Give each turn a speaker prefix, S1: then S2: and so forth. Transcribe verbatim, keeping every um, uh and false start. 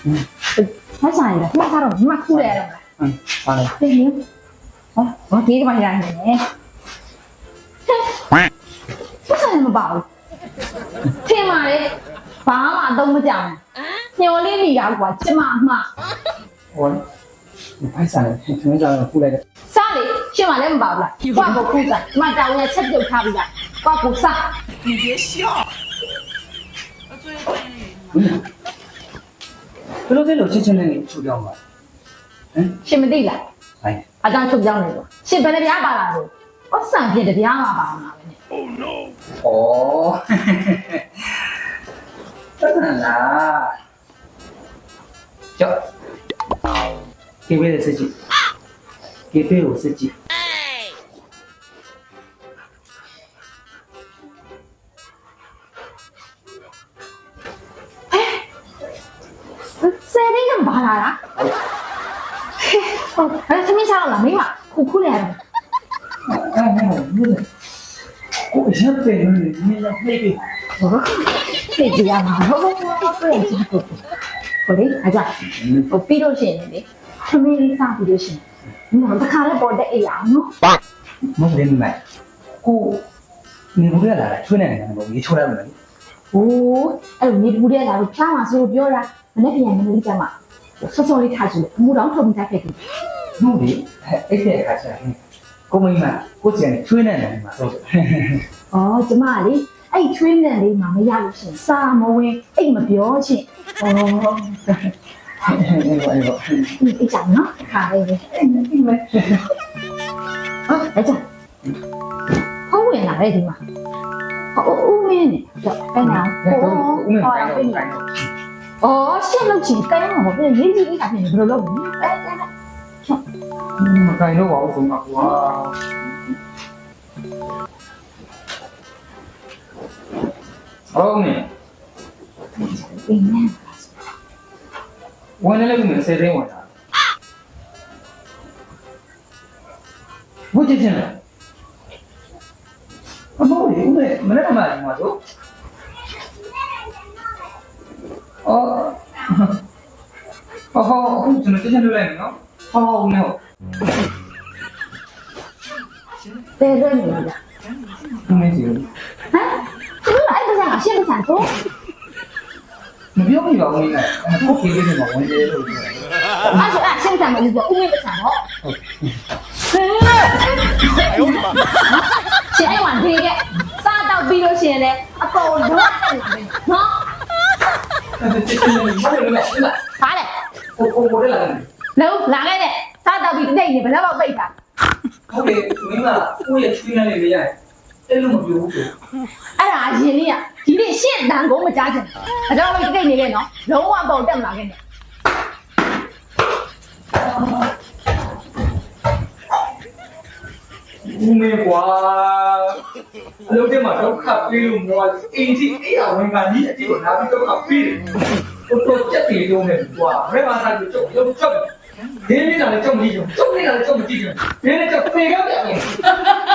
S1: မဆိုင်လားမစားတော့မခုလဲရတော့လား
S2: ဟုတ်ပါလေ
S1: တင်းနေဟောဟောဒီကမှရနေတယ်မဆိုင်မပါဘူးထင်ပါလေဘာမှအသုံးမကြောင်ညှော်လေးမိတာကွာကျမအမှား
S2: ဟောဖိုက်စားတယ်ခင်းစားတော့ခုလိုက်တယ်
S1: စားလေရှင်းမလည်းမပါဘူးလားကွာကိုခုစားမတောင်းရချက်ပြုတ်ထားပြီလားကွာကိုစား
S3: 你别笑。我最近。
S2: ဘယ်လိုလဲလို့ချက်ချင်းနဲ့ချုပ်ပြောင်းပါဟမ်
S1: ရှင်မသိလား
S2: ဟိုင်း
S1: အကြောင်းချုပ်ကြောင်းနေလို့ရှင်ဘယ်နှပြားပါလာလို့ဩဆန်ပြတပြားမှာပါမှာပဲနဲ့
S3: Oh no。
S2: ဩတန်လားကြောက်ကေဝဲတဲ့စကြည့်ကေပေကိုစကြည့်
S1: ဆယ်ရင်းကဘာလာလားဟုတ်အဲ့သမီးစားတော့လားမိမခုခုလဲရတယ်
S2: အဲ့ဟဲ့ဘူးလေကိုရက်ပဲနေနေရပြေးပြေး
S1: ဟုတ်သိကြရမှာဟုတ်ဟုတ်ဟုတ်ပြေးကြည့်ကိုဟိုလေအကြဟိုပြီးလို့ရှိရင်လေသမီးလေးစားပြီးလို့ရှိရင်ငါတခါလဲပေါ်တဲ့အိမ်အောင်နော်
S2: မဟုတ်ဘူးမဲကိုနေဘူးရလာချွေးနေတယ်ဘောကြီးချိုးရမယ်
S1: ဟိုးအဲ့လိုမြေဘူးတဲ့လာလို့ဖျားမှာဆိုလို့ပြောတာမနေ့ပြန်မနေ့ကမှဆော့ဆော့လေးထားကြည့်လို့အမှုတော်ထုတ်ပြီးသားဖြစ်တယ်
S2: ဟုတ်ပြီအဲ့တဲ့အခါကျရင်ကိုမိမကိုကျန်ချွေးနေတယ်မှာဆို
S1: ။အော်ကျမလေးအဲ့ချွေးနဲ့လေးမှမရလို့ရှင်စာမဝင်အိတ်မပြောချင်း။အော်
S2: အဲ့ဘောအဲ့ဘော
S1: ဒီအိတ်ချာနော်ခါလေးပဲ
S2: ဒီမဲ့
S1: ။ဟုတ်အဲ့ချာ။ဟောဝင်လာတဲ့ဒီမှာ။ဟောဦးမင်းနဲ့တော့အဲ့နာ
S2: တော့ဦးမင်းကိုင်းတော့ကိုင်းတော့
S1: ။အော်ရှင်းလို့ချင်းကိုင်းမှာပေါ့။ရေးကြည့်ပြီးတာဖြစ်နေဘယ်လိုလုပ်လဲ။အဲ့အဲ့
S2: မကိုင်းတော့ပါဘူးဆိုတော့ကွာဟုတ်နေ
S1: ပင်နဲ့
S2: ဝင်လည်းဝင်စေတဲ့ဝင်တာဘုရားချင်းလားအမေဦးမမနေ့ကမှဒီမှာဆိုအော်ဟောဟောကျွန်တော်တင်ပြလိုက်နော်ဟောဦးနော်
S1: တဲတဲ့နေလား
S2: မင်းစီ
S1: ။ဟမ်သူကအဲ့ဒါကရှင်းမဆန်တော့
S2: မပြောမိပါဘူးနင်ကကိုခေးလေးမှာဝင်တယ်လို့ပြောတယ်
S1: ။အဲ့ဒါရှင်းဆန်မလို့ပြောဦးမင်းမဆန်တော့
S2: ဟုတ်
S1: ။ဟဲ့
S3: 哎呦我的妈！
S1: ရှင်အဲ့ဝန်သေးကစားတော့ပြီးလို့ရှိရင်လည်းအကုန်လုံးတက်လာတယ်နော်
S2: အဲ့ဒါချင်းချင်းမလို့လည်းလား
S1: ဘာလဲ
S2: ကိုကိုကိုလည်းလာတယ်
S1: လုံးလာခဲ့တဲ့စားတော့ပြီးတိတ်နေဘယ်တော့ပိတ်တာ
S2: ဟုတ်တယ်မင်းကကိုရဲ့ချွေးနေလေလေရတယ်အဲ့လိုမပြောဘူးဆို
S1: အဲ့ဒါအရင်လေးကဒီနေ့ရှင့်တန်ကုန်မကြားချင်ဘူးဒါကြောင့်ပိတ်တိတ်နေခဲ့နော်လုံးဝပုံတက်မလာခဲ့နဲ့
S2: ဦးမေကွာအလုပ်ထဲမှာဒုက္ခပေးလို့မောအင်းကြီးအဲ့အဝင်ကကြီးအကြည့်ကိုလာပြီးဒုက္ခပေးတယ်ကိုတော့ကြက်တီလုံးနဲ့ကွာဘယ်မှာစားလို့ကြောက်ရုပ်ကြောက်ဒီနေ့ကလည်းကြောက်မကြည့်ကြုံကြောက်နေတာလည်းကြောက်မကြည့်ကြုံဒီနေ့ကြောက်ဖေကပြန်တယ်